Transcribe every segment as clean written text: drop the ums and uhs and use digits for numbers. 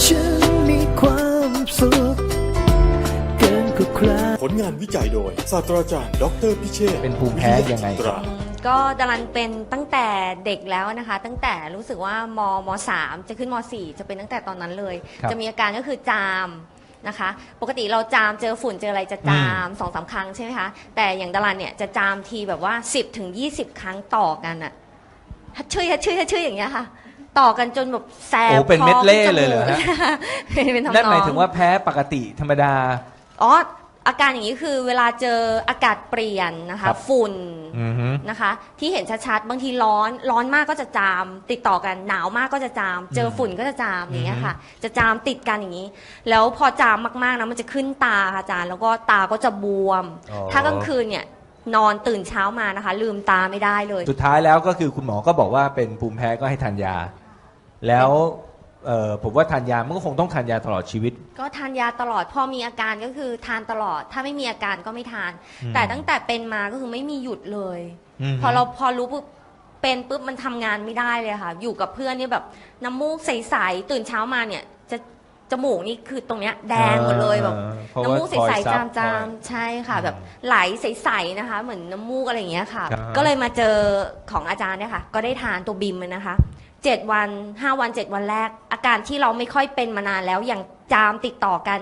ฉันมีความสุขเกินกว่าใครผลงานวิจัยโดยศาสตราจารย์ดรพิเชษฐ์เป็นภูมิแพ้ยังไงครับก็ดารันเป็นตั้งแต่เด็กแล้วนะคะ ตั้งแต่รู้สึกว่าม3จะขึ้นม4จะเป็นตั้งแต่ตอนนั้นเลย จะมีอาการก็คือจามนะคะ ปกติเราจามเจอฝุ่นเจออะไรจะจาม2-3 ครั้งใช่ไหมคะแต่อย่างดารันเนี่ยจะจามทีแบบว่า10-20 ครั้งต่อกันอะฮัดชื่ออย่างเงี้ยค่ะต่อกันจนแบบแสบโอ้เป็นเม็ดเล่เลยเหรอฮะเป็นทำนองนั่นหมายถึงว่าแพ้ปกติธรรมดาอ๋ออาการอย่างนี้คือเวลาเจออากาศเปลี่ยนนะคะครับฝุ่นอือฮึนะคะที่เห็นชัดๆบางทีร้อนมากก็จะจามติดต่อกันหนาวมากก็จะจามเจอฝุ่นก็จะจามอย่างเงี้ยค่ะจะจามติดกันอย่างนี้แล้วพอจามมากๆนะมันจะขึ้นตาค่ะอาจารย์แล้วก็ตาก็จะบวมอ๋อถ้ากลางคืนเนี่ยนอนตื่นเช้ามานะคะลืมตาไม่ได้เลยสุดท้ายแล้วก็คือคุณหมอก็บอกว่าเป็นภูมิแพ้ก็ให้ทานยา แล้วผมว่าทานยามันก็คงต้องทานยาตลอดชีวิตก็ทานยาตลอดพอมีอาการก็คือทานตลอด ถ้าไม่มีอาการก็ไม่ทาน แต่ตั้งแต่เป็นมาก็คือไม่มีหยุดเลย พอรู้ปุ๊บเป็นปุ๊บมันทำงานไม่ได้เลยค่ะ อยู่กับเพื่อนนี่แบบน้ำมูกใสๆตื่นเช้ามาเนี่ยจะจมูกนี่คือตรงเนี้ยแดงหมดเลยแบบเพราะว่าน้ำมูกใสๆคอยซับจามๆใช่ค่ะ แบบไหลใสๆนะคะ เหมือนน้ำมูกอะไรอย่างเงี้ยค่ะครับก็เลยมาเจอของอาจารย์เนี่ยค่ะ ก็ได้ทานตัวบิมนะคะ7 วัน5 วัน 7 วันแรก อาการที่เราไม่ค่อยเป็นมานานแล้วอย่างจามติดต่อกัน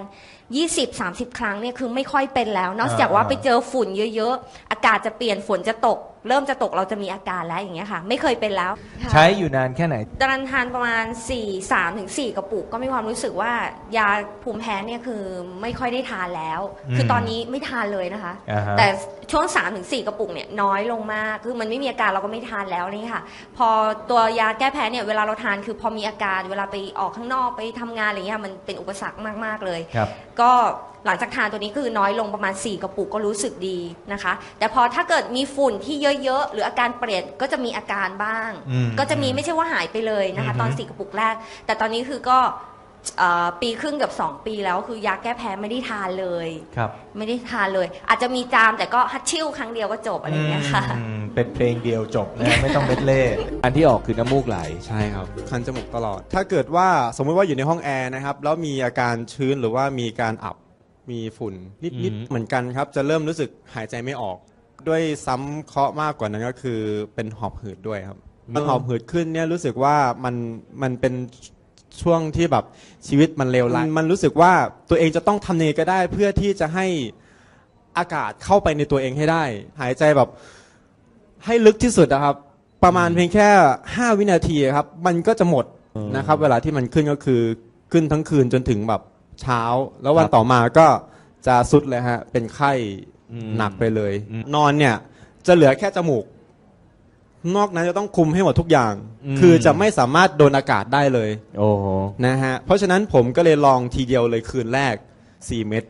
20-30 ครั้งเนี่ยคือไม่ค่อยเป็นแล้ว นอกจากว่าไปเจอฝุ่นเยอะๆอากาศจะเปลี่ยนฝนจะตก เริ่มจะตกเราจะมีอาการแล้วอย่างเงี้ยค่ะ ไม่เคยเป็นแล้วค่ะใช้อยู่นานแค่ไหนดารันทานประมาณ3-4 กระปุกก็มีความรู้สึกว่ายาภูมิแพ้เนี่ยคือไม่ค่อยได้ทานแล้ว คือตอนนี้ไม่ทานเลยนะคะอ่าฮะแต่ช่วง3-4 กระปุกเนี่ยน้อยลงมากคือมันไม่มีอาการเราก็ไม่ทานแล้วนี่ค่ะ พอตัวยาแก้แพ้เนี่ยเวลาเราทานคือพอมีอาการเวลาไปออกข้างนอกไปทำงานอะไรเงี้ยมันเป็นอุปสรรคมากๆเลยครับก็หลังจากทานตัวนี้คือน้อยลงประมาณ4 กระปุกก็รู้สึกดีนะคะ แต่พอถ้าเกิดมีฝุ่นที่เยอะๆหรืออาการเปลี่ยนก็จะมีอาการบ้าง ก็จะมีไม่ใช่ว่าหายไปเลยนะคะตอน4 กระปุกแรก แต่ตอนนี้คือก็ปีครึ่งกับ2 ปีแล้วคือยาแก้แพ้ไม่ได้ทานเลยครับไม่ได้ทานเลย อาจจะมีจามแต่ก็ฮัตชิ่วครั้งเดียวก็จบอะไรอย่างเงี้ยค่ะเป็นเพลงเดียวจบนะ ไม่ต้องเม็ดเล่อันที่ออกคือน้ำมูกไหลใช่ครับคันจมูกตลอด ถ้าเกิดว่าสมมติว่าอยู่ในห้องแอร์นะครับแล้วมีอาการชื้นหรือว่ามีการอับมีฝุ่นนิดๆเหมือนกันครับจะเริ่มรู้สึกหายใจไม่ออก ด้วยซ้ำเคราะห์มากกว่านั้นก็คือเป็นหอบหืดด้วยครับมันหอบหืดขึ้นเนี่ยรู้สึกว่ามันเป็นช่วงที่แบบชีวิตมันเลวร้ายมันรู้สึกว่าตัวเองจะต้องทำเนก็ได้เพื่อที่จะให้อากาศเข้าไปในตัวเองให้ได้ หายใจแบบให้ลึกที่สุดนะครับ ประมาณเพียงแค่5 วินาทีครับมันก็จะหมดนะครับ เวลาที่มันขึ้นก็คือขึ้นทั้งคืนจนถึงแบบเช้า แล้ววันต่อมาก็จะสุดเลยฮะเป็นไข้หนักไปเลย นอนเนี่ยจะเหลือแค่จมูก นอกนั้นจะต้องคุมให้หมดทุกอย่าง คือจะไม่สามารถโดนอากาศได้เลยโอ้โหนะฮะเพราะฉะนั้นผมก็เลยลองทีเดียวเลยคืนแรก4 เม็ด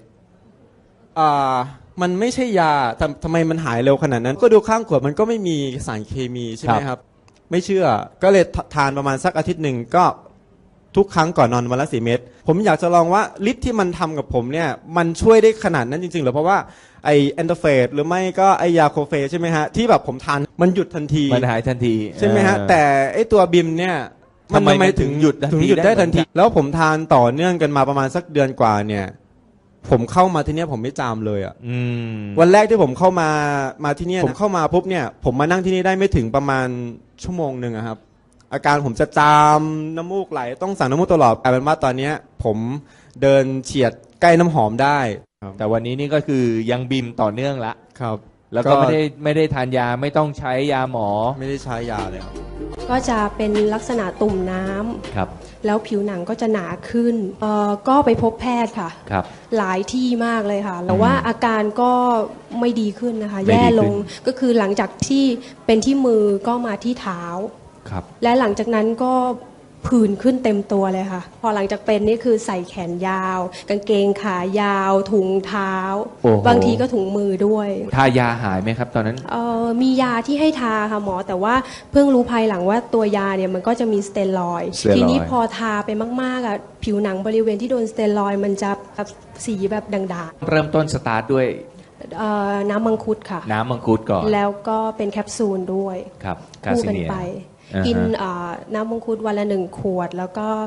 มันไม่ใช่ยาทำไมมันหายเร็วขนาดนั้น ก็ดูข้างขวดมันก็ไม่มีสารเคมีใช่ไหมครับ ไม่เชื่อก็เลยทานประมาณสักอาทิตย์หนึ่งก็ทุกครั้งก่อนนอนวันละ4 เม็ดผมอยากจะลองว่าฤทธิ์ที่มันทำกับผมเนี่ยมันช่วยได้ขนาดนั้นจริงๆหรือเพราะว่าไอแอนโดเฟสหรือไม่ก็ไอยาโคเฟใช่ไหมฮะที่แบบผมทานมันหยุดทันทีมันหายทันทีใช่ไหมฮะแต่ไอตัวบิมเนี่ยทำไมถึงหยุดทันทีถึงหยุดได้ทันทีได้เหมือนกันแล้วผมทานต่อเนื่องกันมาประมาณสักเดือนกว่าเนี่ยผมเข้ามาที่เนี่ยผมไม่จามเลยอ่ะวันแรกที่ผมเข้ามาที่เนี่ยผมเข้ามาปุ๊บเนี่ยผมมานั่งที่นี่ได้ไม่ถึงประมาณชั่วโมงหนึ่งอะครับอาการผมจะจามน้ำมูกไหลต้องสั่งน้ำมูกตลอดกลายเป็นว่าตอนเนี้ยผมเดินเฉียดใกล้น้ำหอมได้แต่วันนี้นี่ก็คือยังบิมต่อเนื่องละครับแล้วก็ไม่ได้ทานยาไม่ต้องใช้ยาหมอไม่ได้ใช้ยาเลยครับก็จะเป็นลักษณะตุ่มน้ำครับแล้วผิวหนังก็จะหนาขึ้นก็ไปพบแพทย์ค่ะครับหลายที่มากเลยค่ะแต่ว่าอาการก็ไม่ดีขึ้นนะคะไม่ดีขึ้นแย่ลงก็คือหลังจากที่เป็นที่มือก็มาที่เท้าครับและหลังจากนั้นก็ผื่นขึ้นเต็มตัวเลยค่ะ พอหลังจากเป็นนี่คือใส่แขนยาว กางเกงขายาว ถุงเท้าโอ้โหบางทีก็ถุงมือด้วยทายาหายไหมครับตอนนั้นมียาที่ให้ทาค่ะหมอแต่ว่าเพิ่งรู้ภายหลังว่าตัวยาเนี่ยมันก็จะมีสเตียรอยด์สเตียรอยด์ทีนี้พอทาไปมากๆอ่ะผิวหนังบริเวณที่โดนสเตียรอยด์มันจะแบบสีแบบด่างเริ่มต้นสตาร์ทด้วยๆน้ำมังคุดค่ะน้ำมังคุดก่อนแล้วก็เป็นแคปซูลด้วยครับกาคู่ซิกันเนียไปอ่าฮะกินน้ำมังคุดวันละ1 ขวด แล้วก็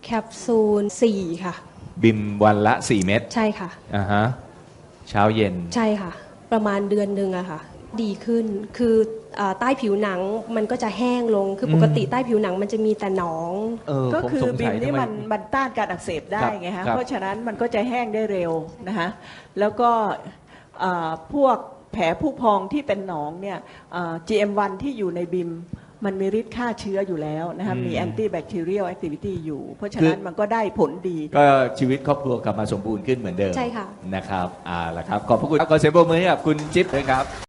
แคปซูล4ค่ะบิมวันละ 4 เม็ดใช่ค่ะอ่าฮะเช้าเย็นใช่ค่ะ ประมาณเดือนหนึ่งอะค่ะ ดีขึ้นคือใต้ผิวหนังมันก็จะแห้งลงคือปกติใต้ผิวหนังมันจะมีแต่หนองก็ผมคือสงบิสัมยนี่ทำไมันต้านการอักเสบได้ครับไงฮะครับเพราะฉะนั้นมันก็จะแห้งได้เร็วนะคะแล้วก็พวกแผลผู้พองที่เป็นหนองเนี่ยGM1 ที่อยู่ในบิมมันมีฤทธิ์ฆ่าเชื้ออยู่แล้วนะคะมีแอนตี้แบคทีเรียลแอคทิวิตี้อยู่ เพราะฉะนั้นมันก็ได้ผลดีก็ชีวิตครอบครัวกลับมาสมบูรณ์ขึ้นเหมือนเดิมใช่ค่ะนะครับล่ะครับขอบพระคุณขอเสียงปรบมือให้กับคุณจิ๊บด้วยครับ